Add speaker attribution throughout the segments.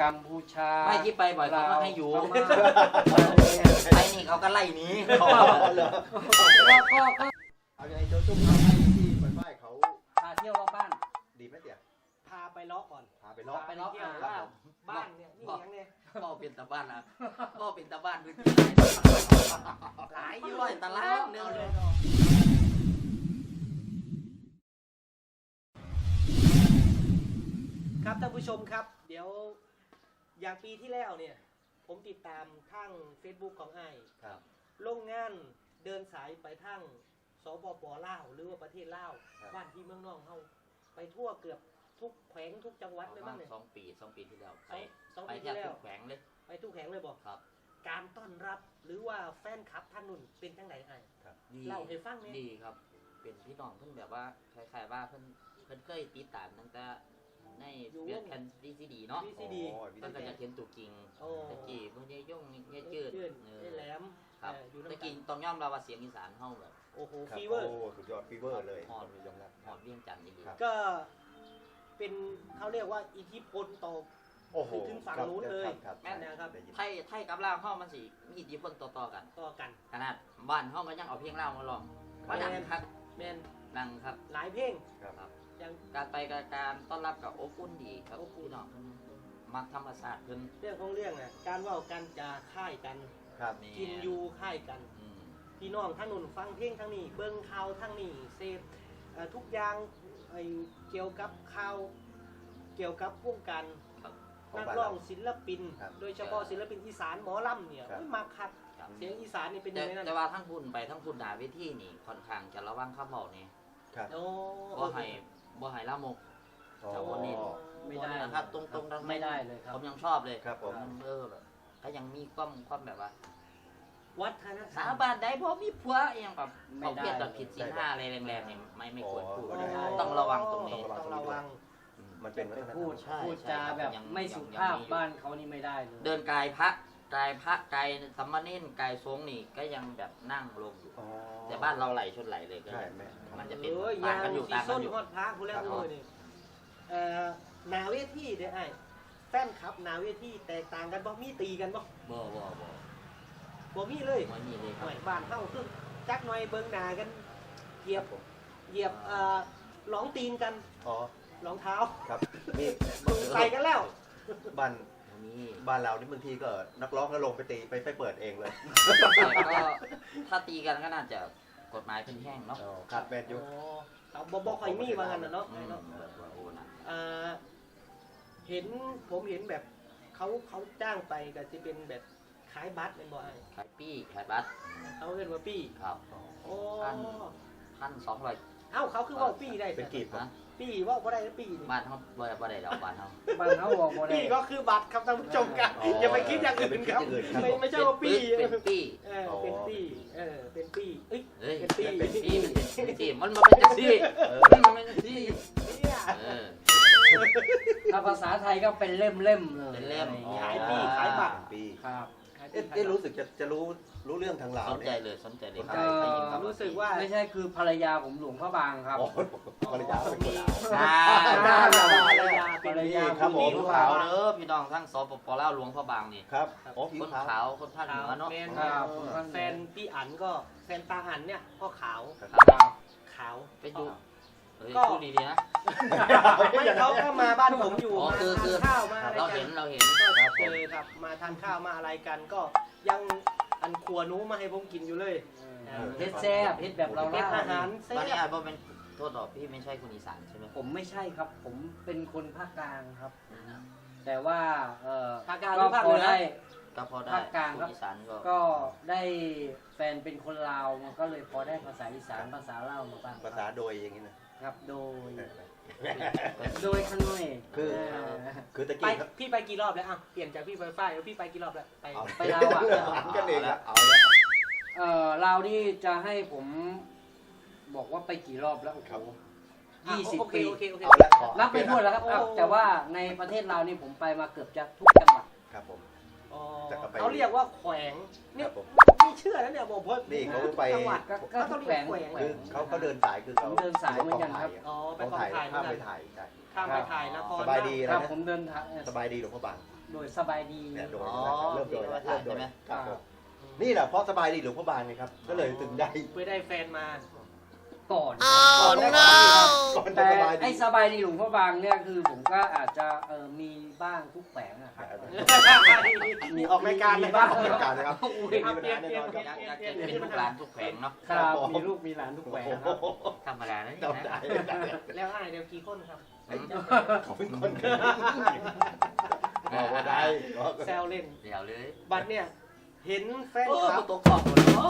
Speaker 1: กัมพูชา
Speaker 2: ไม่ที่ไปบ่อยเขาก็ให้อยู่
Speaker 1: พม่า
Speaker 2: ไปนี่เขาก็ไล่หนีก็
Speaker 3: เอาไงโจจุ๊บเอาให้ที่ไฟเขา
Speaker 1: พาเที่ยวรอบบ้าน
Speaker 3: ดีไหมเตี่ย
Speaker 4: พาไปเลาะก่อน
Speaker 3: พาไปรอบ
Speaker 1: ไปเลาะ
Speaker 4: เที่ยวว่าบ้านเนี่ยนี่ยังเนี่ย
Speaker 2: ก็เป็นตาบ้านนะก็เป็นตาบ้านพื้นที่หลายร้อยตารางเนื้อเลย
Speaker 4: ครับท่านผู้ชมครับ เดี๋ยวอย่างปีที่แล้วเนี่ยผมติดตามทาง Facebook ของไอ้
Speaker 3: ครับ
Speaker 4: ลงงานเดินสายไปทางสปป.ลาวหรือว่าประเทศลาวบ้านที่เมืองนอกเฮาไปทั่วเกือบทุกแขวงทุกจังหวัดเลยมั้งเนี่ย
Speaker 2: สองปีที่แล้วไป
Speaker 4: สอง
Speaker 2: ไป
Speaker 4: ปี
Speaker 2: แทบ
Speaker 4: ที่แล้
Speaker 2: ทุ
Speaker 4: ว
Speaker 2: กแขวงเลย
Speaker 4: ไปทุกแขวงเลยบอก
Speaker 2: ครับ
Speaker 4: การต้อนรับหรือว่าแฟนคลับท่านนุ่นเป็นจังไหนไอ้
Speaker 2: ดี
Speaker 4: เล่าให้ฟังเนี่ย
Speaker 2: ดีครับ เป็นพี่น้องเพิ่นแบบว่าคล้ายๆว่าเพิ่นเคยติดตามตั้งแต่ในเบียดแคนดีซีดีเนาะ
Speaker 4: VCD
Speaker 2: เพิ่นก็จะเห็นตัวจริง
Speaker 4: โอ้
Speaker 2: ตะกี้พวกยายย่งยายจืด
Speaker 4: ได้แหลม
Speaker 2: ครับ
Speaker 4: อยู่
Speaker 2: ตะ
Speaker 4: น้ำกั
Speaker 2: กี้
Speaker 4: น
Speaker 2: ต้องยอมรับว่าเสียงอีสานเฮาแบบ
Speaker 4: โอ้โห
Speaker 3: ครับ
Speaker 4: ฟีเวอร์
Speaker 3: โอ้สุดยอดฟีเวอร์เลย
Speaker 2: ฮอด
Speaker 3: มียอมรับ
Speaker 2: หอดเวียงจันทร์ดี
Speaker 3: ครับ
Speaker 4: ก็เป็นเขาเรียกว่าอิทธิพลต่อ
Speaker 3: โอ้โห
Speaker 4: ถึงฝั่งนู้นเลย
Speaker 3: ครับ
Speaker 4: แม่นนะครับ
Speaker 3: ได้ยิน
Speaker 2: ไทยกับลาวเฮามันสิมีอิทธิพลต่อๆกัน
Speaker 4: ต่อกัน
Speaker 2: ขนาดบ้านเฮาก็ยังเอาเพลงลาวมาร้องว่าดังครับ
Speaker 4: แมน
Speaker 2: ดังครับ
Speaker 4: หลายเพลง
Speaker 3: ครับ
Speaker 4: อย่าง
Speaker 2: การไปการต้อนรับกับอบอุ่นดีครับ
Speaker 4: อบอุ่น
Speaker 2: พี่น้องเพิ่นมักธรรมศาสตร์เพิ่น
Speaker 4: เรื่องของเรื่องน่ะการเว่ากันจะค่ายกัน
Speaker 3: ครับ
Speaker 4: กินอยู่ค่ายกัน
Speaker 2: อืม
Speaker 4: พี่น้องทั้งนุ่นฟังเพลงทั้งนี้เบิ้งข่าวทั้งนี้เสพทุกอย่างไอ้เกี่ยวกับข่าวเกี่ยวกับวงการ
Speaker 2: ครับ
Speaker 4: นักร้องศิลปิน
Speaker 3: ครับ
Speaker 4: โดยเฉพาะศิลปินอีสานหมอลำเนี่ย
Speaker 3: ครับ
Speaker 4: โอ้ยมาคัก
Speaker 2: ครับ
Speaker 4: เสียงอีสานนี่เป็นยั
Speaker 2: แต่
Speaker 4: งไงนั่น
Speaker 2: แต่ว่าทั้งคุณไปทั้งคุณด่าเวทีนี่ค่อนข้างจะระวังคำเว้านี่
Speaker 3: ครับ
Speaker 4: โอ้
Speaker 2: บ่ให้ละมก
Speaker 3: อ๋อ
Speaker 2: แต่วันนี้
Speaker 1: ไม่ได้
Speaker 2: นะครับตรงๆทั้ง
Speaker 1: ไม่ได้เลยครับ
Speaker 2: ผมยังชอบเลย
Speaker 3: ครับผม
Speaker 2: แบบก็ยังมีความแบบว่า
Speaker 4: วัฒนธร
Speaker 2: สาร
Speaker 4: ม
Speaker 2: บานได้เพราะมีผัวอหยังแบบ
Speaker 1: ไม่
Speaker 2: เขา
Speaker 1: ได้
Speaker 2: เพียรแบบผิดศีลห้าอะไรแรงๆเนี่ยไม่ควรพูด
Speaker 3: อ๋อ
Speaker 2: ต้องระวังตรงนี้
Speaker 4: ต้องระวัง
Speaker 3: มันเป็นวัฒนธรรม
Speaker 1: พูด
Speaker 2: ใช่
Speaker 1: พูดจาแบบ
Speaker 2: ยัง
Speaker 1: ไม่สุ
Speaker 2: ยัง
Speaker 1: ภาพ
Speaker 2: มีอยู่
Speaker 1: บ้านเขานี่ไม่ได้เลย
Speaker 2: เดินกายพระกายสัมมาเนนกายทรงนี่ก็ยังแบบนั่งลงอยู่
Speaker 3: อ๋อ
Speaker 2: แต่บ้านเราไหลชนไหลเลยก็
Speaker 3: ใช่แม่
Speaker 2: มันจะเป็น
Speaker 4: เอ้ย
Speaker 2: ต่าง
Speaker 4: ยาง
Speaker 2: กันอยู่
Speaker 4: สี
Speaker 2: ต่างกั
Speaker 4: ส้
Speaker 2: น
Speaker 4: น
Speaker 2: อยู่
Speaker 4: ฮอดพระคุณแล้วคุณเลยนี่หนาเวทีเด้อไอ้แฟนคลับหนาเวทีแตกต่างกันบ่มีตีกันบ่
Speaker 2: บ่
Speaker 4: บ่มีเลย
Speaker 2: ไม่มีเลยค
Speaker 4: ห
Speaker 2: รับ
Speaker 4: น่อยบ้านเฮาคือจักหน่อยเบิ่งหน้ากันเหยียบ
Speaker 3: ผม
Speaker 4: เหยียบหลองตีนกัน
Speaker 3: อ๋อ
Speaker 4: รองเท้า
Speaker 3: ครับมี
Speaker 4: ใส่กันแล้ว
Speaker 3: บ้าน
Speaker 2: มี
Speaker 3: บ้านเรานี่บางทีก็นักร้องก็ลงไปตีไปเปิดเองเลย
Speaker 2: แต่ก็ถ้าตีกันก็น่าจะกฎหมายเป็นแห้งเนาะ
Speaker 3: อ๋อครับแมนยู
Speaker 4: เขาบ่ค่อยมีว่างั้นน่ะเนาะ
Speaker 2: อืมแบบว่าโอ้นะ
Speaker 4: ผมเห็นแบบเขาจ้างไปก็จะเป็นแบบขายบัตรเป็นบ่ไอ้
Speaker 2: ขายปี้ขายบัตร
Speaker 4: เขาเรียกว่าปี้
Speaker 2: ครับ
Speaker 4: โอ้
Speaker 2: 1,200
Speaker 4: เอ้าเขาคือว่าปี้ได้
Speaker 3: เป็นกีบ
Speaker 2: นะ
Speaker 4: ปี้ว่าบ่ได้ปี้นี่
Speaker 2: บ้านเขาบ่ได้ดอกบ้านเขา
Speaker 1: บ้านเขาบอกบ่ได้
Speaker 4: ปี้ก็คือบัตรครับท่านผู้ชมครับอย่าไปคิดอย่างอื่นครับไม่ใช่ว่าปี้
Speaker 2: เป็นปี้
Speaker 4: เป็นปี้เป็นปี้เอ้ย
Speaker 2: เฮ้ย
Speaker 4: เป็นปี้
Speaker 2: เป็นปี้เป็นปี้มันเป็นจังซี่มันเป็นจังซี่
Speaker 4: เนี่ย
Speaker 2: เออ
Speaker 1: ถ้าภาษาไทยก็เป็นเล่มเลย
Speaker 2: เป็นเล่ม
Speaker 1: อะไร
Speaker 4: ขาย
Speaker 1: งี้
Speaker 4: ปี้ขายบัตร
Speaker 3: ปี
Speaker 1: ครับ
Speaker 3: รู้สึกจะรู้เรื่องทางลาว
Speaker 2: สนใจ
Speaker 3: เนี่ย
Speaker 2: เลยสนใจเลย
Speaker 1: ก็
Speaker 2: ได้ยินคำ
Speaker 4: รู้สึกว่า
Speaker 1: ไม่ใช่คือภรรยาผมหลวงพระบางครับ
Speaker 3: อ๋อภรรยาเป็นคนลาว
Speaker 4: เป็น
Speaker 1: ภรรยา
Speaker 3: ครับผม
Speaker 2: ผิวขาวเด้อพี่น้องทั้งสปปลาวหลวงพระบางนี่
Speaker 3: ครับอ๋อผิว
Speaker 2: คน
Speaker 3: ขาว
Speaker 2: ขาวคนภาคเหนือเนาะ
Speaker 1: ครับ
Speaker 4: แฟนพี่อันก็แฟนตาอันเนี่ยก็ขาว ขาว
Speaker 2: ไปดูเฮ้ย
Speaker 4: ก็
Speaker 2: พูดดีๆนะ
Speaker 4: ไม่เขาก็มาบ้านผมอยู่
Speaker 2: อ๋อ
Speaker 4: มา
Speaker 2: คือ
Speaker 4: ทานข้าวมาอะไร
Speaker 2: เรา
Speaker 4: กั
Speaker 2: เห็
Speaker 4: น
Speaker 2: นเราเห็น
Speaker 4: ก็เจอครับมาทานข้าวมาอะไรกันก็ยังอันครัวนู้มาให้ผมกินอยู่เลย
Speaker 1: เฮ็ดแซ่บเฮ็ดแบบเรา
Speaker 4: เป็น
Speaker 1: เล่า
Speaker 4: อาหารแซ่
Speaker 2: ตอนนี้
Speaker 4: บ
Speaker 2: อาจจะเป็นโทษดอกพี่ไม่ใช่คนอีสานใช่ไหม
Speaker 1: ผมไม่ใช่ครับ ผมเป็นคนภาคกลางครับ แต่ว่า
Speaker 4: ภาคกลางห
Speaker 1: ก็
Speaker 4: รือภาค
Speaker 1: พ
Speaker 4: เห
Speaker 1: อ
Speaker 4: นือ
Speaker 1: ได้
Speaker 2: ก็พอได้
Speaker 1: ภาคกลาง
Speaker 2: คน
Speaker 1: ครับ
Speaker 2: อีสานก็
Speaker 1: ก็ได้แฟนเป็นคนลาวมันก็เลยพอได้ภาษาอีสานภาษาลาวมาบ้าง
Speaker 3: ภาษาโดยอย่างนี้นะครับ
Speaker 1: โดยขน่อย
Speaker 3: คือตะ
Speaker 4: ไป
Speaker 3: กี้ครับ
Speaker 4: พี่ไปกี่รอบแล้วอ่ะเปลี่ยนจากพี่ไฟฟ้าแล้วพี่ไปกี่รอบแล้วไป
Speaker 3: เอา
Speaker 1: ไปลาวอ่ะ
Speaker 3: หันกันเองอะเอาละ
Speaker 1: ลาวนี่จะให้ผมบอกว่าไปกี่รอบแล้วโอ้โห 20 ปี
Speaker 4: โอเค
Speaker 3: เอาละขอ
Speaker 1: นับไปทั่วแล้วครับ
Speaker 4: โอ้
Speaker 1: แต่ว่าในประเทศลาวนี่ผมไปมาเกือบจะทุกจังหวัด
Speaker 3: ครับผม
Speaker 4: อ๋อ
Speaker 3: แต่ก็ไป
Speaker 4: เขาเรียกว่าแขวง
Speaker 3: ค
Speaker 4: เนี่
Speaker 3: รั
Speaker 4: ย
Speaker 3: บผม
Speaker 4: ไม่เชื่อแล้วเนี่ยบอกว่า
Speaker 3: นี่เขาไป
Speaker 4: จังหวัด
Speaker 1: ก็
Speaker 4: เขาต้องเรียกแขวง
Speaker 3: คือเขาเดินสายคือเขา
Speaker 1: ผมเดินสายเหมือนกันครับ
Speaker 4: อ๋อไป
Speaker 3: เขา
Speaker 4: กอง
Speaker 3: ถ่าย
Speaker 4: ถ่ายเหมื
Speaker 3: ข้า
Speaker 4: อน
Speaker 3: ม
Speaker 4: กั
Speaker 3: ไป
Speaker 4: น
Speaker 3: ถ่ายใช่
Speaker 4: ข้ามไปถ่ายนคร
Speaker 3: สบายดี
Speaker 1: ครั
Speaker 3: นะ
Speaker 1: บผมเดินทาง
Speaker 3: สบายดีหลวงพ่อบาง
Speaker 1: โดยสบายดี
Speaker 3: เนี่ยโดย
Speaker 2: อ๋อ
Speaker 3: เริ่มโดยแล้วเริ่มโดย
Speaker 2: ใช่ไหม
Speaker 3: ครับผมนี่แหละเพราะสบายดีหลวงพ่อบางไงครับ ก็เลยถึงได้
Speaker 4: เพื่อได้แฟนมา
Speaker 1: ก่อน
Speaker 3: ก่อนได้ก่อนก่อนจะ
Speaker 1: แต่
Speaker 3: สบายดี
Speaker 1: ไอ้สบายดีหลวงพ่อบางเนี่ยคือผมก็อาจจะมีบ้างทุกแฝงอะครับ
Speaker 3: มีออกรายการเลยบ้างออกรายการนะครับ
Speaker 1: อุ้ย
Speaker 3: มีปัญหาแน่นอนครับ
Speaker 2: อยากจะเป็นลูกหลานทุกแขวงเนาะ
Speaker 1: ครับมีลูกมีหลานทุกแฝงครับ
Speaker 2: ธรรมดานะนี่
Speaker 3: จำได้
Speaker 2: นะ
Speaker 4: แล้วอ้ายเดี๋ยวกี่คนครับ
Speaker 3: เขาเป็นคนบอกว่าได้
Speaker 4: แซวเล่น
Speaker 2: เดี๋ยวเลย
Speaker 4: บัดเนี่ยเห็นแฟน
Speaker 2: โอ้
Speaker 4: คลับ
Speaker 2: ตัวกรอบหมดแล้ว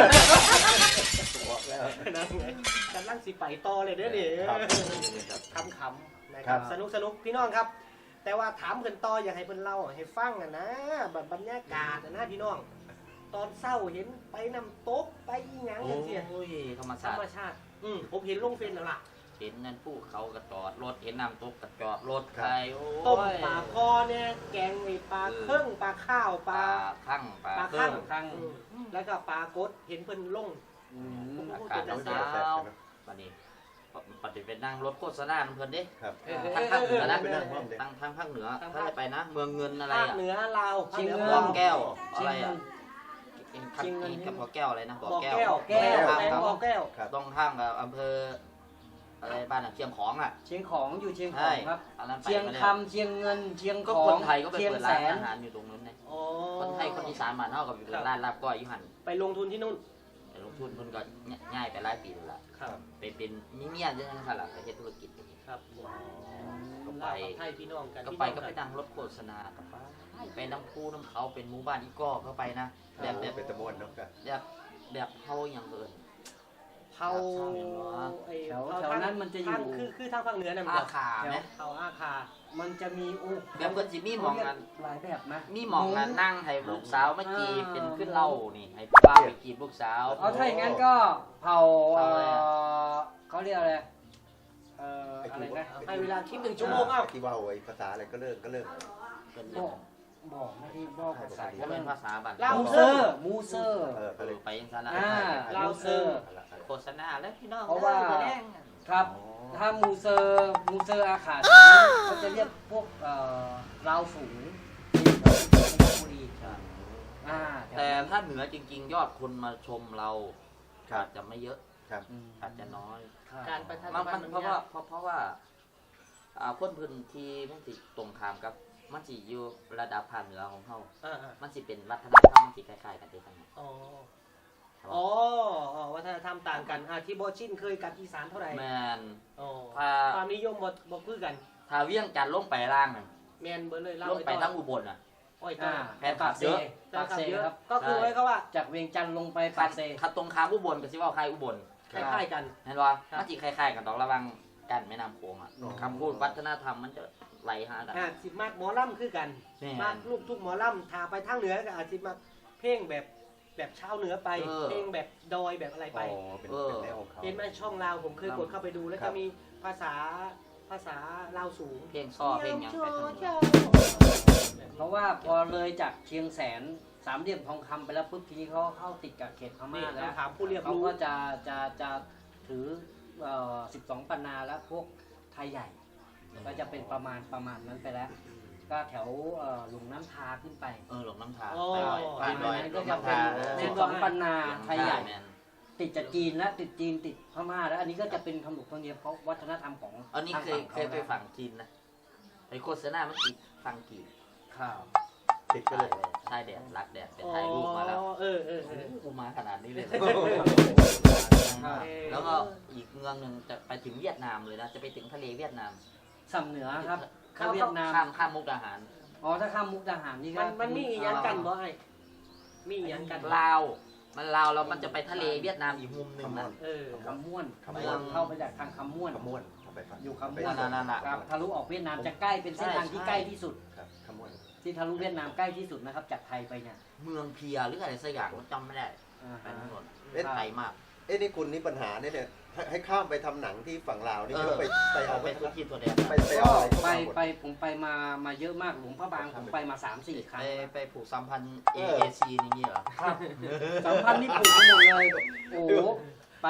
Speaker 3: บอกแล้ว
Speaker 4: นั่นไงกำลังสิไปต่อเลยเด้อนี่
Speaker 3: ครับ
Speaker 4: คำๆนะค
Speaker 3: ครั
Speaker 4: รับบ สนุกพี่น้องครับ แต่ว่าถามเพิ่นต่ออยากให้เพิ่นเล่าให้ฟังอะนะแบบบรรยากาศอะนะพี่น้อง ตอนเศร้าเห็นไปน้ำตกไปอีหยัง
Speaker 2: โอ
Speaker 4: จังซี่
Speaker 2: ้ยธรรม
Speaker 4: ธร
Speaker 2: ศาสต
Speaker 4: รม
Speaker 2: ร์
Speaker 4: ชาติผมเห็นลงเฟซแล้วล่ะ
Speaker 2: เห็นนั่นผู้เขากระจอดรถเห็นน้ำตกกระจอดรถใครโอ้
Speaker 4: ต้ม
Speaker 2: ย
Speaker 4: ปลาคอเนี่ยแกงไอ้ปลาเครื่องปลาข้าว
Speaker 2: ป
Speaker 4: ป
Speaker 2: ลา
Speaker 4: ลา
Speaker 2: ข้างปลา
Speaker 4: ปลา
Speaker 2: เครื่
Speaker 4: ข้า
Speaker 2: อง ง
Speaker 1: ข้าง
Speaker 4: แล้วก็ปลากดเห็นเพิ่นลง
Speaker 1: อืม
Speaker 2: อากาศหนาววันนี้ปฏิเป็นนั่งรถโฆษณาเพื่อนดิ
Speaker 3: ครับ
Speaker 2: ทางภาคเหนือนะ
Speaker 3: ไปนั่งห้องเด็ก
Speaker 2: ทางภาคเหนือถ้าจะไปนะ เมืองเงินอะไร
Speaker 4: ภาค
Speaker 2: อ่ะ
Speaker 4: เหนือลาวภาคเหนือ
Speaker 2: บ่อแก้ว
Speaker 1: เชี
Speaker 2: อะ
Speaker 1: ย
Speaker 2: ไรง
Speaker 1: เงิ
Speaker 2: อ่ะ
Speaker 1: น เชียงเงิน
Speaker 2: กับบ่อแก้วอะไรนะบ่อ
Speaker 4: บ่อ
Speaker 2: แก้ว
Speaker 4: แก้ว
Speaker 1: แก้ว
Speaker 4: แก้วบ่อแก้ว
Speaker 3: ครับ
Speaker 2: ต้องข้างกับอำเภออะไรบ้านอ่ะเชียงของอ่ะ
Speaker 1: เชียงของอยู่เชียงข
Speaker 2: ใช่
Speaker 1: องครับ
Speaker 2: อันนั้นไป
Speaker 1: เชียง
Speaker 2: มาแล้ว
Speaker 1: คำเชียงเงินเชียง
Speaker 2: ก็
Speaker 1: ขอ
Speaker 2: ค
Speaker 1: ง
Speaker 2: นไทยก็ไป
Speaker 1: เชียง
Speaker 2: เปิด
Speaker 1: แส
Speaker 2: ร้าน
Speaker 1: น
Speaker 2: อาหารอยู่ตรงนั้นเลย
Speaker 4: อ๋อ
Speaker 2: คนไทยคนอีสานมานเท่ากับอยู่ร้านลาบก้อยอยู่หัน
Speaker 4: ไปลงทุนที่นู่น
Speaker 2: แต่ลงทุนมันก็ง่ายไปหลายปีแล้วล่ะ
Speaker 4: ครับ
Speaker 2: ไปเป็นมีเมียยังไงล่ะไปเฮ็ดธุรกิจ
Speaker 4: ครับ
Speaker 2: ก็ไป
Speaker 4: ลาวกับไทยพี่น้องกัน
Speaker 2: ก็ไปนั่งรถโฆษณากับไปน้ำคูน้ำเขาเป็นหมู่บ้านอีก้อก็ไปนะแบบ
Speaker 3: เป็นตะมวนเนาะครับ
Speaker 2: แบบเฮาอย่างเอิน
Speaker 4: เผาไอ้
Speaker 1: แถว
Speaker 4: เผา
Speaker 1: แถวนั้นมันจะอยู่
Speaker 4: ทางคือทางภาคเหนือนั่น
Speaker 2: อาคาไหม
Speaker 4: เผาอาคา
Speaker 1: มันจะมีโอ้
Speaker 2: แบบเพิ่นสิมีหมองกัน
Speaker 1: หลายแบบนะ
Speaker 2: มีหมองกันนั่งให้ลูกสาวมาจีบเป็นขึ้นเหล่านี่ให้ผู้บ่าวไปจีบลูกสาว
Speaker 1: เอาถ้าอย่างนั้นก็เผา
Speaker 2: เผาอะไรอะ
Speaker 1: เขาเรียกอะไรอะไรนะ
Speaker 4: ให้เวลาคิด1 ชั่วโมงเอ้า
Speaker 3: ที่ว่าไอ้ภาษาอะไรก็เริ่ม
Speaker 2: เป็น
Speaker 1: บอกไม่ได้บอกภาษา
Speaker 2: ก็เป็นภาษาบ้าน
Speaker 1: มูเซอร์มูเซอร์
Speaker 3: ก็เลย
Speaker 2: ไปยังซั่นนะ
Speaker 4: ลาวเซอร์
Speaker 2: โฆษณาแล้วพี่น้อง
Speaker 1: เพราะว่า
Speaker 2: แสดง
Speaker 1: ครับ ถ้ามูเซอร์อาขาดเขาจะเรียกพวกลาวฝูงที่เพชรบุรีถว
Speaker 2: แต่
Speaker 1: นั้น
Speaker 2: ถ้าเหนือจริงๆ ยอดคนมาชมเราอาจจะไม่เยอะ
Speaker 3: ครับ
Speaker 1: อืม
Speaker 2: อาจจะน้อย
Speaker 4: การประชาสั
Speaker 2: มั
Speaker 4: ม
Speaker 2: น
Speaker 4: พันธ์
Speaker 2: เพราะว่าคนพื้นที่มันสิตรงข้ามกับมันสิอยู่ระดับภาคเหนือของเฮา
Speaker 4: อ่า
Speaker 2: มันสิเป็นวัฒนธรรมมันสิคล้ายๆกันเด้ทั้งนั้น
Speaker 4: ๆอ๋อวัฒนธรรมต่างกันที่โบชินเคยกับอีสานเท่าไหร่
Speaker 2: แม่น
Speaker 4: อ๋อ
Speaker 2: ถ้า
Speaker 4: ความนิยมบ่คือกัน
Speaker 2: ถ้าเวียงจันทน์ลงไปล่างนั่น
Speaker 4: แมนเบอร์เลยเล่า
Speaker 2: ลงไปทั้งอุบลน่ะ
Speaker 4: อ้อยต่อ
Speaker 2: แฟนคลับเยอะ
Speaker 1: ปากเซ
Speaker 4: เยอะ
Speaker 1: ครับ
Speaker 4: ก็คือไว้เขาว่า
Speaker 1: จากเวียงจันทร์ลงไปปากเซ
Speaker 2: ถ้าตรงข้ามอุบลก็สิว่าใครอุบล
Speaker 4: คล้ายๆกัน
Speaker 2: เห็นว่า
Speaker 4: ครับ
Speaker 2: มันสิคล้ายๆกันดอกระวังกันแม่น้ำโขงอ่ะ
Speaker 3: อ๋อ
Speaker 2: คำพูดวัฒนธรรมมันจะไหลหากัน
Speaker 4: สิมากหมอลำคือกัน
Speaker 2: แม่
Speaker 4: มากลูกทุกหมอลำทาไปทางเหนือก็อาจสิมาเพลงแบบชาวเหนือไป เพลงแบบดอยแบบอะไรไป
Speaker 3: เป็นแนวของเขา
Speaker 4: เห็นไหมช่องลาวผมเคยกดเข้าไปดู แล้ว
Speaker 3: ครั
Speaker 4: จะ
Speaker 3: บ
Speaker 4: มีภาษาลาวสูง
Speaker 2: เพลงซ้อเพลงหยังไปทางเหนือ
Speaker 1: เพราะว่าพอเลยจากเชียงแสนสามเหลี่ยมทองคำไปแล้วปุ๊บทีนี้เขาเข้าติดกับเขตพม่า
Speaker 4: นี่
Speaker 1: แล้ว
Speaker 4: ถามผู้เรียบ
Speaker 1: เขา
Speaker 4: รู้
Speaker 1: ก็จะถือ12 ปันนาแล้วพวกไทยใหญ่ ก็จะเป็นประมาณนั้นไปแล้ว ก็แถวหลวงน้ำทาขึ้นไป
Speaker 2: หลงน้ำทา
Speaker 4: อ๋อ
Speaker 2: ไปดอย
Speaker 1: นั้นก็จะเป็น
Speaker 4: แม่น
Speaker 1: 12 ปันนาไทยใหญ่
Speaker 2: แม่น
Speaker 1: ติดจากจีนและติดจีนติดพม่าแล้ว อันนี้ก็จะเป็นขนบธรรมเนียมเขาวัฒนธรรมของ
Speaker 2: อันนี้เคย
Speaker 1: ทาง
Speaker 2: เคยไปฝั่งจีนนะไปโฆษณามันติดฝั่งจีน
Speaker 1: ข่าว
Speaker 3: ติดก็เลย
Speaker 2: ใช่แดดรักแดดไปถ่ายรูปมาแล้ว
Speaker 4: เออ
Speaker 2: กูมาขนาดนี้เลย
Speaker 1: ครับ
Speaker 2: แล้วก็อีกเมืองหนึ่งจะไปถึงเวียดนามเลยนะ จะไปถึงทะเลเวียดนาม
Speaker 1: สำเหนือครับถ้าเวียดนาม
Speaker 2: ข้ามมุกดาหาร
Speaker 1: อ๋อถ้าข้ามมุกดาหารนี่ก็
Speaker 4: มันมีอีหยังกันบ่ไอ้มีอีหยังกัน
Speaker 2: ลาว มันลาวแล้วมันจะไปทะเลเวียดนามอีกมุมหนึ่งนะ
Speaker 1: คำม่วน
Speaker 3: คำม่วน
Speaker 1: เข้าไปจากทางคำม่วน
Speaker 3: ขมวนเข้าไปฝั่ง
Speaker 1: อยู่คำม่วน
Speaker 2: นั่น
Speaker 1: ครับทะลุออกเวียดนามจะใกล้เป็นเส้นทางที่ใกล้ที่สุด
Speaker 3: ครับขมวน
Speaker 1: ที่ทะลุเวียดนามใกล้ที่สุดนะครับจากไทยไปเนี่ย
Speaker 2: เมืองเพียหรืออะไรสักอย่างผมจำไม่ได้
Speaker 1: อ่า
Speaker 2: ไป
Speaker 1: ฮะ
Speaker 2: ทั้งหมด
Speaker 3: เอ๊ะ
Speaker 2: ไทยมาก
Speaker 3: นี่คุณนี่ปัญหาเนี่ยให้ข้ามไปทำหนังที่ฝั่งลาวนี่ไม่ต้องไปเอา
Speaker 2: ไป
Speaker 3: ไป
Speaker 2: ทุกที่ตัวแดง
Speaker 3: ไปเอาอะไรเข้า
Speaker 1: ไป
Speaker 3: มาหมด
Speaker 1: ไปผมไปมาเยอะมากหลวงพระบางผมไปมา 3-4 ครั้ง
Speaker 2: ไปผูกสัมพันธ์ AAC นี่งี้เหรอ
Speaker 1: ครับสัมพันธ์นี่ผูกไปหมดเลยโอ้โหไป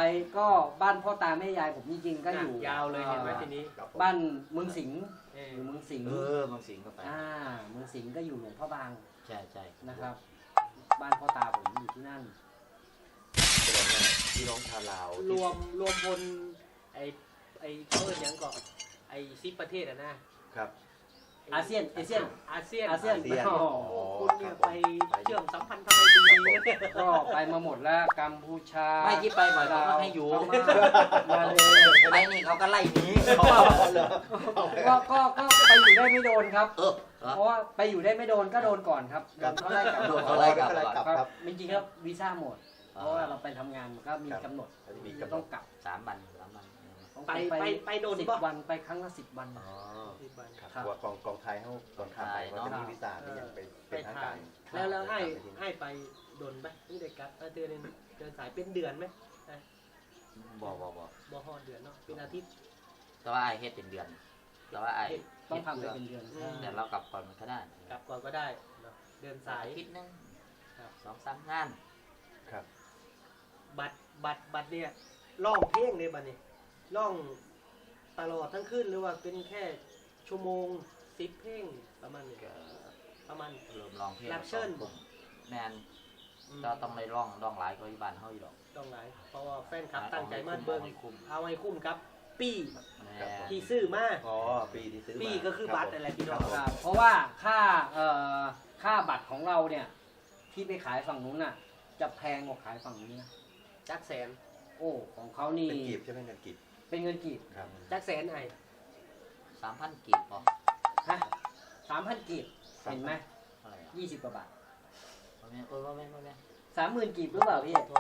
Speaker 1: ก็บ้านพ่อตาแม่ยายผมจริงๆก็อยู่
Speaker 4: ยาวเลยเห็นไหมทีนี้
Speaker 3: ครับผม
Speaker 1: บ้านเมืองสิงห์
Speaker 4: เออ
Speaker 1: อยู่เมืองสิงห์
Speaker 2: บางสิ่งก็ไป
Speaker 1: เมืองสิงห์ก็อยู่หลวงพ่อบาง
Speaker 2: ใช่ใช่
Speaker 1: นะครับ บ้านพ่อตาผมอยู่ที่นั่น
Speaker 3: แสดงว่าพี่น้องชาวลาว
Speaker 4: รวมพลไอ้เพิ่นหยังก็ไอ้10ประเทศอะนะครับ
Speaker 1: อาเซียน
Speaker 4: อาเซียน
Speaker 3: อาเซียน
Speaker 1: อ๋อ
Speaker 4: คุณเนี่ยไปเชื่อมสัมพันธ์ทำไมดีเนี่ย
Speaker 1: ก็ไปมาหมดแล้วกัมพูชา
Speaker 2: ไม่ที่ไปบ่อยเขาก็ให้อยู่
Speaker 1: ลาวมาเลย
Speaker 2: ไปนี่เขาก็ไล่หนี
Speaker 1: ก็ไปอยู่ได้ไม่โดนครับ
Speaker 2: เออ
Speaker 1: เพราะว่าไปอยู่ได้ไม่โดนก็โดนก่อนครับ
Speaker 3: ครับ
Speaker 1: เขาไล่กลับ
Speaker 2: โดน
Speaker 1: ก่
Speaker 2: เขา
Speaker 1: อน
Speaker 2: ไล่กลับ
Speaker 1: ครับจริงๆครับวีซ่าหมด เพราะว่าเราไปทำงานมันก็มีกำหนด
Speaker 3: มีกำหนด
Speaker 1: ต้องกลับ
Speaker 2: 3 วัน
Speaker 1: ต้อง
Speaker 4: ไปโดน
Speaker 1: 10
Speaker 4: บ่
Speaker 1: วันไปครั้งละ10 วัน
Speaker 3: อ๋อ
Speaker 1: ครับ
Speaker 3: กลัวกองไทยเขาตอนข้ามไปเขาจะมีวิสาที่ยังเป็นทางการ
Speaker 4: แล้วให้ไปโดนไหมนี่เด็กครับเดือนสายเป็นเดือนไหม
Speaker 2: บ่
Speaker 4: บ่ฮอดเดือนเนาะเป็นอาทิตย์
Speaker 2: แต่ว่าไอเฮ็ดเป็นเดือน แต่ว่าไอ
Speaker 1: ต้องทำไปเป็นเดือน
Speaker 2: แต่เรากลับก่อนมันก็ได้
Speaker 4: กลับก่อนก็ได้เนาะเดือนสาย
Speaker 2: อาทิตย์นึง
Speaker 4: ครับ
Speaker 2: 2-3 งาน
Speaker 3: ครับ
Speaker 4: บัตรเนี่ยร้องเพลงเนี่ยบัดนี้ร้องตลอดทั้งคืนหรือว่าเป็นแค่ชั่วโมง10เพลงประมาณนี้
Speaker 2: ก็
Speaker 4: ประมาณ
Speaker 2: เริ่มร้องเพลง
Speaker 4: รับเชิญ
Speaker 2: แมนก็ต้องได้ร้องหลายกว่าที่บ้านเฮาอยู่ดอก
Speaker 4: ต้องหลายเพราะว่าแฟนคลับตั้งใจมาเบิ่ง
Speaker 2: เอาให้คุ้ม
Speaker 4: เอาให้คุ้มครับ ปี
Speaker 2: แม่
Speaker 4: ที่ซื้อมา
Speaker 3: อ๋อปีที่ซื้อมา
Speaker 4: ปีก็คือบัตรอะไรพี่น้อง
Speaker 3: ครับผม
Speaker 1: ครับเพราะว่าค่าบัตรของเราเนี่ย ที่ไปขายฝั่งนู้นน่ะ จะแพงกว่าขายฝั่งนี้นะ
Speaker 4: จักแสน
Speaker 1: โอ้ของเขานี่
Speaker 3: เป็นกีบใช่ไหมเงินกีบ
Speaker 1: เป็นเงินกีบ
Speaker 3: ครับ
Speaker 4: จักแสนไอ้
Speaker 2: 3,000 กีบพอ
Speaker 1: ฮะ3,000 กีบเห็นไหม
Speaker 2: เท่าไหร่อ่ะ
Speaker 1: 20 กว่าบาท
Speaker 2: บ่แม่นบ่แม่น
Speaker 1: 30,000 กีบหรือเปล่าพี่
Speaker 2: โทษ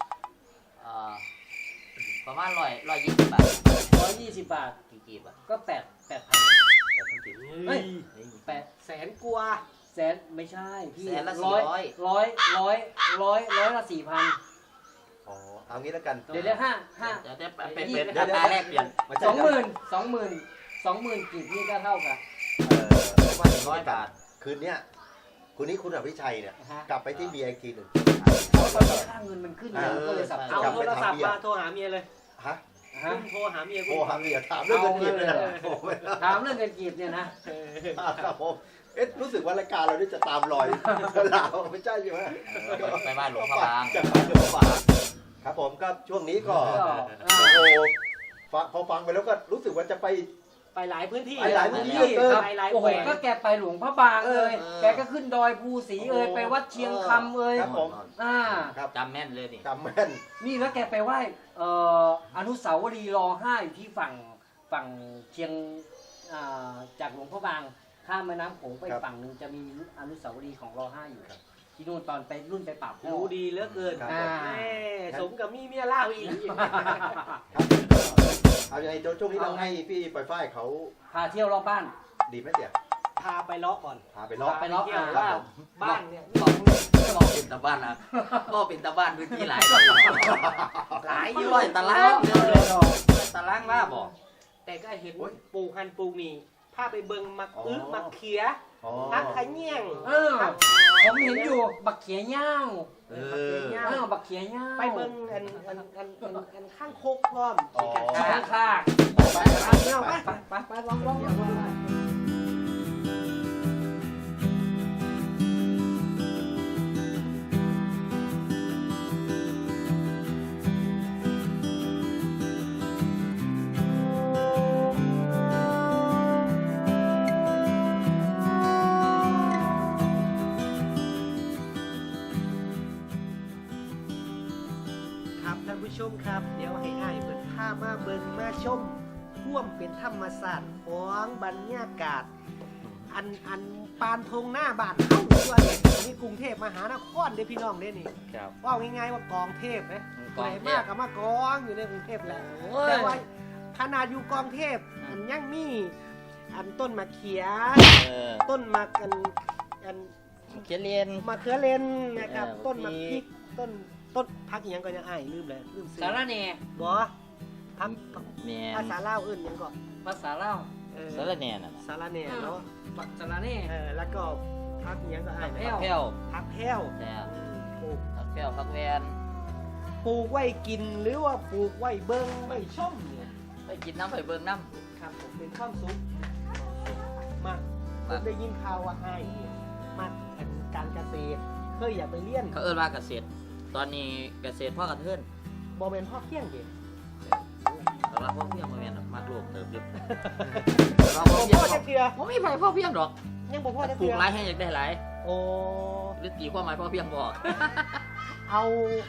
Speaker 2: ประมาณ120 บาท
Speaker 1: 120 บาท
Speaker 2: กี่กีบอ่ะ
Speaker 1: ก็8,000
Speaker 3: แต่ทั้งกีบ
Speaker 1: เฮ้ย
Speaker 2: นี่
Speaker 4: แสนกว่า
Speaker 1: แสนไม่ใช่พี่
Speaker 2: แสนละ
Speaker 1: ร้อย
Speaker 2: 400
Speaker 1: ร้อยละ 4,000
Speaker 3: อ๋อเอางี้แล้วกัน
Speaker 1: เดี๋ยว5
Speaker 2: เดี๋ยวเป็นอัตราแลกเปลี่ยน
Speaker 3: ไม่ใช่
Speaker 1: 20,000กีบนี่ก็เท่ากับ
Speaker 3: ว่าอย่างนี้
Speaker 2: 100 บาท
Speaker 3: คืนเนี้ยคุณอภิชัยเนี่ย
Speaker 1: นะฮะ
Speaker 3: กลับไปที่เบียร์อีกทีหนึ่ง
Speaker 1: เพราะตอนนี้ค่าเงินมันขึ้นเยอะก็เลยสับส
Speaker 4: เอา
Speaker 1: น
Speaker 4: โทรศัพท์มาโทรหาเมียเลย
Speaker 3: ฮะ
Speaker 1: ฮะ
Speaker 4: คุณโทรหาเมีย
Speaker 3: โท
Speaker 4: คุ
Speaker 3: ร
Speaker 4: ณ
Speaker 3: หาเมียถามเรื่องเงินกีบเลยนะ
Speaker 1: เอาเลย
Speaker 3: โอ้โห
Speaker 1: ถามเรื่องเงินกีบเนี่ยนะ
Speaker 3: ครับผมรู้สึกว่ารายการเรานี่จะตามรอยลาวไม่ใช่ใช่ไหม
Speaker 2: ไปบ้านหลวงพ่อบาง
Speaker 3: จะไปหลวงพ่อบางครับผมก็ช่วงนี้ก็
Speaker 1: ก็
Speaker 3: โอ้โหพอฟังไปแล้วก็รู้สึกว่าจะไป
Speaker 4: ไปหลายพื้นที่
Speaker 3: ไปหลายพื้นที่
Speaker 1: ครับ
Speaker 4: ไปหลาย
Speaker 1: โอ้
Speaker 4: แห
Speaker 1: โห
Speaker 4: วง
Speaker 1: ก็แกไปหลวงพระบางเลย แกก็ขึ้นดอยภูสีเอ่ยไปวัดเชียงคำเอ่ย
Speaker 3: ครับผม ครับ
Speaker 2: จำแม่นเลยนี่
Speaker 3: จำแม่น
Speaker 1: นี่แล้วแกไปไหว้อนุสาวรีย์ร.5อยู่ที่ฝั่งเชียงจากหลวงพระบางข้ามแม่น้ำโขงไปฝั่งหนึ่งจะมีอนุสาวรีย์ของร.5อยู่ที่นู่นตอนไปรุ่นไปปราบพ่อ
Speaker 4: รู้ดีเหลือเกิน
Speaker 3: ครับ
Speaker 1: อ่า
Speaker 4: แม่สมกับมีเมียเล่าอีก
Speaker 3: ครับเอาอย่างไรช่วงนี้เราให้พี่ปล่อยฝ้ายเขา
Speaker 1: พาเที่ยวรอบบ้าน
Speaker 3: ดีไหมเตี่ย
Speaker 4: พาไปเลาะก่อน
Speaker 3: พาไปรอบ
Speaker 1: ไปเลาะ
Speaker 4: เที่ยว
Speaker 3: ครับ
Speaker 4: ว่า
Speaker 3: ผม
Speaker 4: บ้านเนี่ย
Speaker 2: ก็เป็นตะบ้านนะก็เป็นตะบ้านพื้นที่หลายหลายอยู่ร้อยตารางเดียวเลยตารางล่าบอก
Speaker 4: แต่ก็เห็นปลูกฮันปลูกนี่พาไปเบิงมักอึกมักเขีย
Speaker 3: อ๋อ
Speaker 4: พักขะเงี้ยง
Speaker 1: เออผมเห็นอยู่บักเขียย่าง
Speaker 3: เอ
Speaker 1: บักเขียย่าง
Speaker 4: ไปเบิงอันข้างโคกพร้อม
Speaker 3: อ๋อ
Speaker 1: ข้างข้าง
Speaker 3: ไป
Speaker 4: ไปเที่ยวไป
Speaker 1: ไปลอง
Speaker 4: ครับท่านผู้ชมครับ เดี๋ยวให้อ้ายเปิดผ้ามาเบิงมาชมท่วมเป็นธรรมศาสตร์ของบรรยากาศ อันปานธงหน้าบ้านเฮาตัวเนี่ยอันนี้กรุงเทพมหานครเด้อพี่น้องเด้อนี่
Speaker 2: ครับ
Speaker 4: ว่าง่ายๆว่ากองเทพนะ
Speaker 2: กองเทพ
Speaker 4: ไหนมากกับมากองอยู่ในกรุงเทพแหละ
Speaker 1: โอ้ย
Speaker 4: แต่ว่าขนาดอยู่กองเทพอันยังมีอันต้นมะเขีย ต้นมะอัน
Speaker 2: เขียนเรียน
Speaker 4: มะเขือเลนนะครับ
Speaker 2: เออ
Speaker 4: ต้นมะพริกต้นพักอหยังก็ยังอ้ายลืมเลยลืมซื้อ
Speaker 1: สารเน่
Speaker 4: บ่พัก
Speaker 2: แม่
Speaker 4: ภาษาลาวอื่นหยังก็
Speaker 1: ภาษาเล่า
Speaker 2: สารแหน่น่ะ
Speaker 4: สาระเน่เนาะ
Speaker 1: สารเน่
Speaker 4: แล้วก็พักอหยังก็อ้าย
Speaker 1: ผักแพร่ว
Speaker 4: พักแพ้ว
Speaker 2: แต่
Speaker 4: ปลูก
Speaker 2: ผักแก้วผักแวน
Speaker 4: ปลูกไว้กินหรือว่าปลูกไว้เบิ้งไว้ชมเนี่ย
Speaker 2: ไปกินน้ำไปเบิ่งน้
Speaker 4: ครับผมเป็นความสุขมากผ
Speaker 2: ครับ
Speaker 4: มได้ยินข่าวว่าไอ้ายเนี่ยมากการเกษตรเคยอยากไปเรียน
Speaker 2: ำเขาเอิ้นว่าเกษตร ตอนนี้เกษตรพ่อกระเทือน
Speaker 4: บอเป็นพ่อเพียงเด็
Speaker 2: แต่ว่าพ่อเพียงมาแม่นดอกมักโลกเติบอยู่
Speaker 4: บอพ่อจะเกลือ
Speaker 2: บ่มีไผพ่อเพียงดอก
Speaker 4: ยังบอพ่อจะ
Speaker 2: ป
Speaker 4: เก
Speaker 2: ลู
Speaker 4: ลื
Speaker 2: ก
Speaker 4: อ
Speaker 2: หลายให้อยากได้หลาย
Speaker 4: โอ้
Speaker 2: หรือตีความหมายพ่อเพียงบอก
Speaker 4: เอา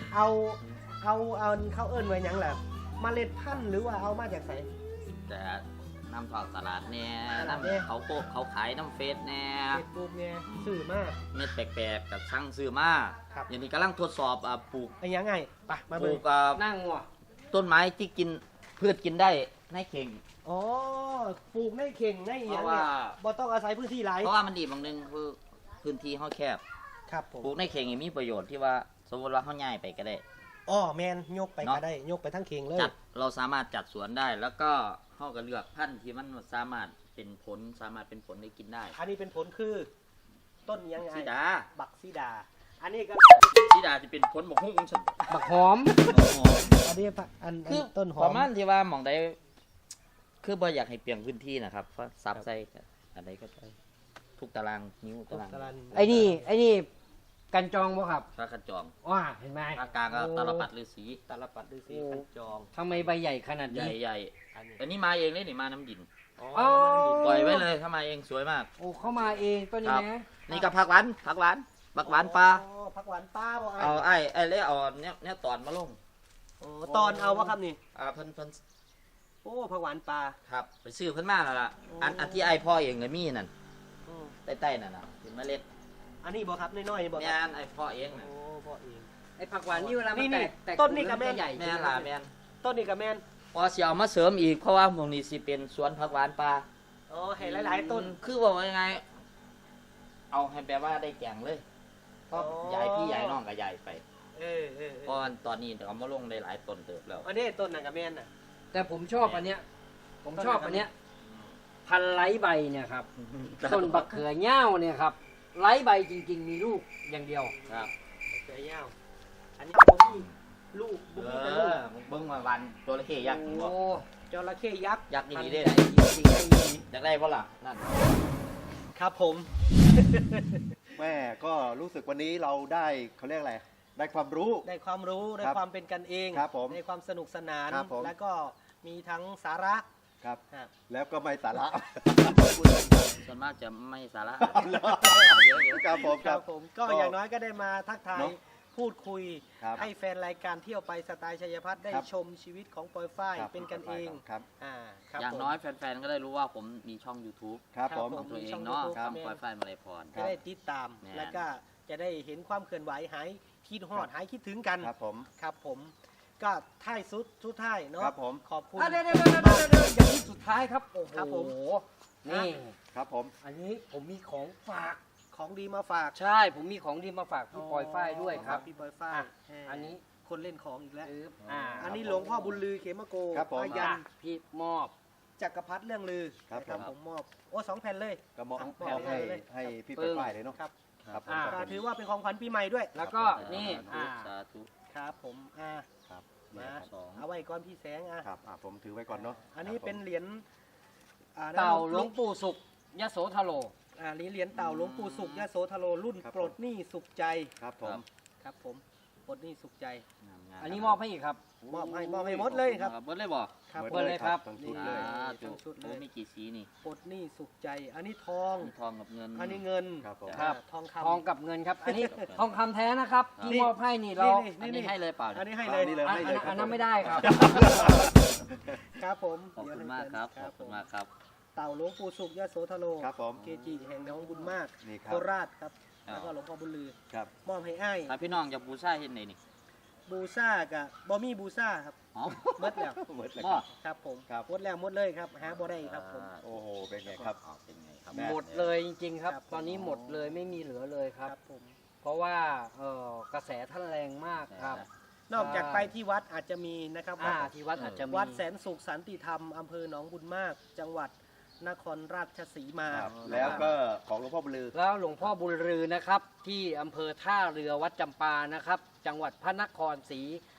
Speaker 4: เขาเอิ้นไว้หยังแหละเมล็ดพันธุ์หรือว่าเอามาจากไหน
Speaker 2: แต่น้ำทอดตลาดแน่
Speaker 4: ตลาดแน่
Speaker 2: น้ำเขาโกเขาขายน้ำเฟสแน่
Speaker 4: เฟซบุ๊กเนี่ยสื่อมาก
Speaker 2: เม็ดแปลกๆกับช่างซื้อมา
Speaker 4: ครับ
Speaker 2: อย่างนี้กำลังทดสอบปลูก
Speaker 4: ไอ้ยังไงไปมา
Speaker 2: ป
Speaker 4: เบิ่
Speaker 2: ลู
Speaker 4: ง
Speaker 2: ก
Speaker 1: นั่งว่ะ
Speaker 2: ต้นไม้ที่กินพืชกินได้ในเข่ง
Speaker 4: อ๋อปลูกในเข่งในอห
Speaker 2: เพ
Speaker 4: ยัง
Speaker 2: ราะว่า
Speaker 4: เนี่ยบ่ต้องอาศัยพื้นที่หลาย
Speaker 2: เพราะว่ามันดีบางหนึงคือพื้นที่เขาแคบ
Speaker 4: ครับผม
Speaker 2: ปลูกในเข่งนี่มีประโยชน์ที่ว่าสมมติว่าเขาย้ายไปก็ได้
Speaker 4: อ๋อแมนยกไป
Speaker 2: เนาะ
Speaker 4: ก็ได้ยกไปทั้งเข่งเลย
Speaker 2: จัดเราสามารถจัดสวนได้ แล้วก็เขาก็เลือกพันธุ์ที่มันสามารถเป็นผลสามารถเป็นผลได้กินได้
Speaker 4: อันนี้เป็นผลคือ ต้นยังไง
Speaker 2: สีดา
Speaker 4: บักซีดา อันนี้ก็
Speaker 2: สีดาจะเป็นผลบกหุ้งฉัน
Speaker 1: บักหอม
Speaker 4: อันนี้อัน
Speaker 2: คือ
Speaker 4: ต้นหอ
Speaker 2: ป
Speaker 4: ม
Speaker 2: ระมาณที่ว่าหมองใดคือบ่อยากให้เปลี่ยนพื้นที่นะครับเพราะซับใส่อันใดก็ได้ทุกตารางนิ้วตาราง
Speaker 4: ตาราง
Speaker 1: ไอ้นี่กันจองบ่ครับ
Speaker 2: พระขันจอง
Speaker 1: ว้าเห็นไหม
Speaker 2: ภาคกลางก็ตาลปัดฤาษี
Speaker 4: ตาลปัดฤาษี
Speaker 1: โอ้
Speaker 4: ขันจอง
Speaker 1: ทำไมใบใหญ่ขนาด
Speaker 2: ใหญ่
Speaker 1: นี้
Speaker 2: ใหญ่
Speaker 4: อันนี้
Speaker 2: อันนี้มาเองเลยนี่มาน้ำดิน
Speaker 4: อ๋อ
Speaker 1: อ๋อ
Speaker 2: ปล่อยไว้เลยถ้ามาเองสวยมาก
Speaker 1: โอ้เข้ามาเองต้นนี้
Speaker 2: ครับ
Speaker 1: นะ
Speaker 2: นี่ก็ผักหวานผักหวานผักหวานปลา
Speaker 4: อ๋อผักหวานปลาบ่
Speaker 2: เอาไอ้เลยเอาเนี่ยตอนมาลง
Speaker 4: อ๋อตอนเอาวะครับนี่
Speaker 2: เพิ่น
Speaker 4: โอ้ผักหวานปลา
Speaker 2: ครับไปซื้อเพิ่นมาแล้วล่ะ
Speaker 4: โอ้
Speaker 2: อันที่ไอ้พ่อเองเลยมีนั่น
Speaker 4: อืม
Speaker 2: ใต้ๆนั่นน่ะเป็นเมล็ด
Speaker 4: อันนี้บ่ครับน้อยๆบ่ค
Speaker 2: แม่
Speaker 4: รับ
Speaker 2: นไอ้พ่อเองน่ะ
Speaker 4: โอ้พ่อเอง
Speaker 1: ไอ้ผักหวานนี่เวลามัน
Speaker 4: นี่
Speaker 1: แตก
Speaker 4: ต้นนี่กับแม่
Speaker 1: ใหญ่
Speaker 2: แม่นล่ะแม่น
Speaker 4: ต้นนี้กับแมน
Speaker 2: พอสิเอามาเสริมอีกเพราะว่าหมองนี้สิเป็นสวนผักหวานปลา
Speaker 4: อ๋อให้หลายๆต้น
Speaker 2: คือบอกว่ายังไง เอาให้แปลว่าได้แกงเลยเพราะ
Speaker 4: อ๋อ
Speaker 2: ยายพี่ยายน้องกับยายไป
Speaker 4: เออ
Speaker 2: เพราะตอนนี้เอามาลงได้หลายต้นเติบแล้ว
Speaker 4: อันนี้ต้นนั่นกับแมนน่ะ
Speaker 1: แต่ผมชอบอันเนี้ย ผมชอบอันเนี้ย พันไร้ใบเนี่ยครับ ต้นบักเขือเง่าเนี่ยครับ ไร้ใบจริง ๆ มีลูกอย่างเดียว
Speaker 2: ครับ
Speaker 4: เสือยาวอันนี้บ่มีลูกบ่
Speaker 2: เอ
Speaker 4: มีแต่ลูก
Speaker 2: อเบิ้งมาวันตัวละเข้ยักษ์บอก
Speaker 1: โอ้
Speaker 4: จระเข้ยักษ์
Speaker 2: ยักษ์นี่
Speaker 1: พัน
Speaker 2: ดี
Speaker 1: ไร้
Speaker 2: ได้
Speaker 1: จริงๆไม่มี
Speaker 2: อยากได้เพราะล่ะนั่น
Speaker 4: ครับผม
Speaker 3: แม่ก็รู้สึกวันนี้เราได้เขาเรียกอะไรได้ความรู้
Speaker 4: ได้ความรู้ได้
Speaker 3: ครับ
Speaker 4: ความเป็นกันเอง
Speaker 3: ครับผม
Speaker 4: ได้ความสนุกสนาน
Speaker 3: ครับผม
Speaker 4: แล้วก็มีทั้งสาระ
Speaker 3: ครับ
Speaker 4: ครับ
Speaker 3: แล้วก็ไม่สาระ
Speaker 2: ส่วนมากจะไม่สาระ
Speaker 3: เหรอ
Speaker 2: เยอะเยอะ
Speaker 3: ครับผม
Speaker 4: ค
Speaker 3: ค
Speaker 4: รั
Speaker 3: รั
Speaker 4: บบ ผมก็
Speaker 3: ก็
Speaker 4: อย่างน้อยก็ได้มาทักทาย
Speaker 3: เนอะ
Speaker 4: พูดคุย
Speaker 3: ครับ
Speaker 4: ให้แฟนรายการเที่ยวไปสไตล์ชัยพัฒน์ได้
Speaker 3: ครับ
Speaker 4: ชมชีวิตของปอยฝ้าย
Speaker 3: ครับ
Speaker 4: เป็นกันเอง
Speaker 3: ครับ
Speaker 4: ครับ
Speaker 2: อย่าง
Speaker 4: ผม
Speaker 2: น้อยแฟนๆ ก็ได้รู้ว่าผมมีช่อง YouTube
Speaker 3: ครับผม
Speaker 2: ของตัวเอ
Speaker 4: ช่อง
Speaker 2: งเนาะ
Speaker 4: YouTube
Speaker 2: ช่อง
Speaker 4: ครับ
Speaker 2: ปอยฝ้ายมาลัยพร
Speaker 4: จะได้ติดตาม
Speaker 2: แน่
Speaker 4: แล้วก็จะได้เห็นความเคลื่อนไหวหายคิดฮอด
Speaker 3: ครับ
Speaker 4: หายคิดถึงกัน
Speaker 3: ครับผม
Speaker 4: ครับผม ก็ท้ายสุดท้ายเนาะ
Speaker 3: ครับผม
Speaker 4: ขอบคุณ
Speaker 1: อ่ะเดี๋ยวอย่างนี้สุดท้ายครับ โอ้โห
Speaker 4: ครับผม
Speaker 1: นี่
Speaker 3: ครับผม
Speaker 1: อันนี้ผมมีของฝาก
Speaker 4: ของดีมาฝาก
Speaker 1: ใช่ ผมมีของดีมาฝากพี่ปอยฝ้ายด้วยครับ
Speaker 4: พี่ปอยฝ้าย
Speaker 1: อ่ะ
Speaker 4: แหม
Speaker 1: อันนี้
Speaker 4: คนเล่นของอีกแล้ว
Speaker 1: อั
Speaker 4: อั
Speaker 1: น
Speaker 4: น
Speaker 1: นี้
Speaker 4: นี้หลวงพ่อบุญลือเขมโก
Speaker 3: ครับผม
Speaker 4: พยัน
Speaker 1: พี่มอบ
Speaker 4: จักรพรรดิเรื่องลือ
Speaker 3: ครับ
Speaker 4: นะ
Speaker 3: ผม
Speaker 4: ผมมอบโอ้2 แผ่นเลย
Speaker 3: ก็มอบ
Speaker 4: ครับ
Speaker 3: มอบให้
Speaker 4: เลย
Speaker 3: ให้พี่
Speaker 1: ปึ้ง
Speaker 3: ป้ายเลยเนาะ
Speaker 4: ครับ
Speaker 3: ครับผม
Speaker 1: อ่า
Speaker 4: ก็ถือว่าเป็นของขวัญปีใหม่ด้วย
Speaker 1: แล้วก็นี่
Speaker 2: สาธุ
Speaker 4: ครับผม
Speaker 3: ครับ
Speaker 4: มา
Speaker 3: เนี่ยครับ
Speaker 2: สอง
Speaker 4: เอาไว้ก่อนพี่แสง
Speaker 3: ครับผมถือไว้ก่อนเนาะ
Speaker 4: อันนี้
Speaker 3: ครับผม
Speaker 4: เป็นเหรียญ
Speaker 1: เต่าหลวงปู่สุขยโสธโร
Speaker 4: เหรียญเต่าหลวงปู่สุขยโสธโรรุ่น
Speaker 3: ครับ
Speaker 4: ปลดหนี้สุขใจ
Speaker 3: ครับผม
Speaker 4: ครับผมปลดหนี้สุขใจ
Speaker 1: อันนี้มอบให้อีกครับ
Speaker 4: มอบให้หมดเลยครับ
Speaker 2: เบิดเลยบ่
Speaker 4: ครับ
Speaker 1: เบิดเลยครับ
Speaker 3: ทั้ง
Speaker 4: นี่
Speaker 3: ชุดเลย
Speaker 4: ทั้งชุดเลย
Speaker 2: โอ้มีกี่สีนี่
Speaker 4: ปลดหนี้สุขใจ อันนี้ทอง
Speaker 2: มีทองกับเงิน
Speaker 4: อันนี้เงิน
Speaker 3: ครับผม
Speaker 1: ครับ
Speaker 4: ทอง
Speaker 1: ทอง
Speaker 4: คำ
Speaker 1: กับเงินครับ อันนี้ทองคำแท้นะครับ ที่
Speaker 4: นี่
Speaker 1: มอบให้นี่เรา
Speaker 2: อันนี้ให้เลยเปล่า
Speaker 4: อัน
Speaker 2: เนี่ย
Speaker 4: นี้ให้เลย
Speaker 3: นี่เลย
Speaker 1: อัน
Speaker 3: ให้เลย
Speaker 1: อันนั้นไม่ได้ครับ
Speaker 4: ครับผม
Speaker 2: ขอบคุณมากครับ ขอบคุณมากครับ
Speaker 4: เต่าหลวงปู่สุขยโสธโร
Speaker 3: ครับผม
Speaker 4: เกจิแห่งหนองบุญมาก
Speaker 3: นี่ครั
Speaker 4: โค
Speaker 3: บ
Speaker 4: ราชครับ
Speaker 2: ครับ
Speaker 4: แล้วก็หลวงพ่อบุญลือ
Speaker 3: ครับ
Speaker 4: มอบให้อ้าย
Speaker 2: ถ้าพี่น้องจะบูชาเฮ็ดไหนนี่
Speaker 4: บูซ่ากับบอมี่บูซ่าครับ
Speaker 2: อ๋อ
Speaker 4: หมดแล้ว
Speaker 3: เหมือนเลย
Speaker 2: บ่
Speaker 3: ครับ
Speaker 4: ครับผม
Speaker 3: ครับ
Speaker 4: หมดแล้วหมดเลยครับหาบ่ได้ครับผม
Speaker 3: โอ้โหเป็นไงครับ
Speaker 2: อ๋อเป็นไงครับ
Speaker 3: แม่
Speaker 1: หมดเลยจริงๆครับ
Speaker 4: ครับ
Speaker 1: ตอนนี้หมดเลยไม่มีเหลือเลยครับ
Speaker 4: ผม
Speaker 1: เพราะว่ากระแสท่านแรงมากครับ
Speaker 4: นอกจากไปที่วัดอาจจะมีนะครับ
Speaker 1: ที่วัดอาจจะมี
Speaker 4: วัดแสนสุขสันติธรรมอำเภอหนองบุญมาก จังหวัดนครราชสีมา
Speaker 3: ครับแล้วก็ของหลวงพ่อบุญลือ
Speaker 1: แล้วหลวงพ่อบุญรือนะครับ ที่อำเภอท่าเรือวัดจำปานะครับ จังหวัดพระนครศรี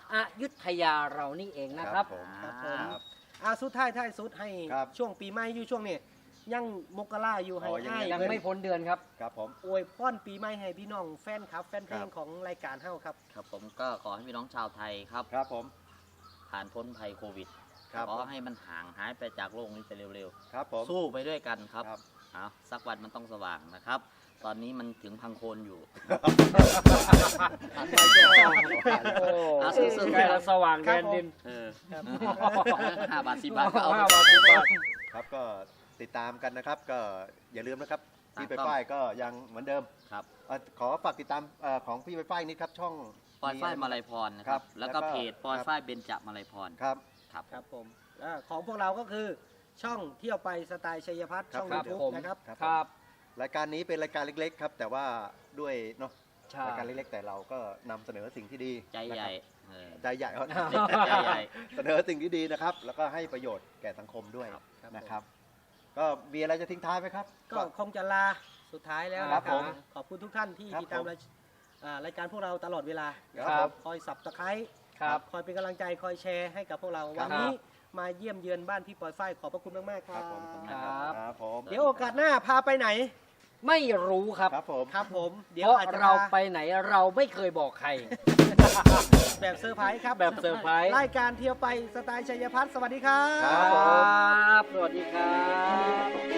Speaker 1: อยุธยาเรานี่เองนะครับ
Speaker 3: ผม
Speaker 4: ครับผม
Speaker 3: ครับ
Speaker 4: สุดท้ายสุดให้
Speaker 3: ครับ
Speaker 4: ช่วงปีใหม่อยู่ช่วงนี้ยังมกราอยู่ให้
Speaker 3: อ๋อยัง
Speaker 4: อ้าย
Speaker 1: ยังไม่พ้นเดือนครับ
Speaker 3: ครับผม
Speaker 4: อวยพรปีใหม่ให้พี่น้องแฟนครับแฟนเพล
Speaker 3: ครั
Speaker 4: ง
Speaker 3: บ
Speaker 4: ของรายการเฮาครับ
Speaker 2: ครับผมก็ขอให้พี่น้องชาวไทยครับ
Speaker 3: ครับผม
Speaker 2: ผ่านพ้นภัยโควิด
Speaker 3: ครับ
Speaker 2: ขอให้มันห่างหายไปจากโลกนี้ไปเร็ว
Speaker 3: ครับผม
Speaker 2: ๆ สู้ไปด้วยกันครับ
Speaker 3: ครับ
Speaker 2: เอาสักวันมันต้องสว่างนะครับ ตอนนี้มันถึงพังโคนอยู่
Speaker 1: โอ้
Speaker 2: เอาสู้ๆ
Speaker 1: ใกล้จะสว่างแดนดิน
Speaker 2: เออ
Speaker 4: ครับ
Speaker 2: 5 บาท 10 บาทก็เอา
Speaker 1: 5 บาท 10 บาท
Speaker 3: ครับก็ติดตามกันนะครับ ก็อย่าลืมนะครับ
Speaker 2: ตาม
Speaker 3: พี่ไปฝ้ายก็ยังเหมือนเดิม
Speaker 2: ครับ
Speaker 3: ขอฝากติดตามของพี่ไปฝ้ายนิดครับช่อง
Speaker 2: ปอยฝ้ายมาลัยพรนะครับ แล้วก็เพจปอย
Speaker 3: ครับ
Speaker 2: ฝ้ายเบญจมาลัยพร
Speaker 3: ครับ
Speaker 2: ครับ
Speaker 4: ครับผมของพวกเราก็คือช่องเที่ยวไปสไตล์ชัยพัฒน์
Speaker 3: ครับ
Speaker 4: ช่อง
Speaker 1: ครับ
Speaker 4: ยูทูบ
Speaker 1: ผม
Speaker 4: นะครับ
Speaker 1: ครับ
Speaker 3: รายการนี้เป็นรายการเล็กๆครับแต่ว่าด้วยเนาะ
Speaker 1: ใช่
Speaker 3: รายการเล็กๆแต่เราก็นำเสนอสิ่งที่ดี
Speaker 2: ใจใหญ่
Speaker 3: นะครับ
Speaker 2: เออ
Speaker 3: ใจใหญ่ครับ
Speaker 2: ใจใหญ่
Speaker 3: เสนอสิ่งที่ดีนะครับ แล้วก็ให้ประโยชน์แก่สังคมด้วย
Speaker 2: ครับ
Speaker 3: นะครับ ก็มีอะไรจะทิ้งท้ายไหมครับ
Speaker 4: ก็คงจะลาสุดท้ายแล้ว
Speaker 3: ครั
Speaker 4: นะ
Speaker 3: บ
Speaker 4: ครั
Speaker 3: ผ
Speaker 4: บ
Speaker 3: ม
Speaker 4: ขอบคุณทุกท่านที่
Speaker 3: ครับ
Speaker 4: ติดตาม
Speaker 3: ผม
Speaker 4: รายการพวกเราตลอดเวลา
Speaker 3: ครับ
Speaker 4: คอยสับตะไคร้
Speaker 1: ครับ
Speaker 4: คอยเป็นกำลังใจคอยแชร์ให้กับพวกเรา
Speaker 3: ครับ
Speaker 4: วันนี้มาเยี่ยมเยือนบ้านพี่ปอยฝ้ายขอบพระคุณมากๆค
Speaker 3: ค
Speaker 4: รั
Speaker 3: รั
Speaker 4: บบ
Speaker 3: ผม
Speaker 1: ครับ
Speaker 3: ครับผม
Speaker 4: เดี๋ยวโอกาสหน้าพาไปไหน
Speaker 1: ไม่รู้ครับ
Speaker 3: ครับผม
Speaker 4: ครับผมเดี๋ย
Speaker 1: เพ
Speaker 4: ว
Speaker 1: ราะ
Speaker 4: อาจจะ
Speaker 1: เรา
Speaker 4: พา
Speaker 1: ไปไหนเราไม่เคยบอกใคร
Speaker 4: แบบเซอร์ไพรส์ครับ
Speaker 1: แบบเซอร์ไพรส์
Speaker 4: รายการเที่ยวไปสไตล์ชัยพัฒน์สวัสดีครับ
Speaker 3: ครับผม
Speaker 1: ครับ สวัสดีครับ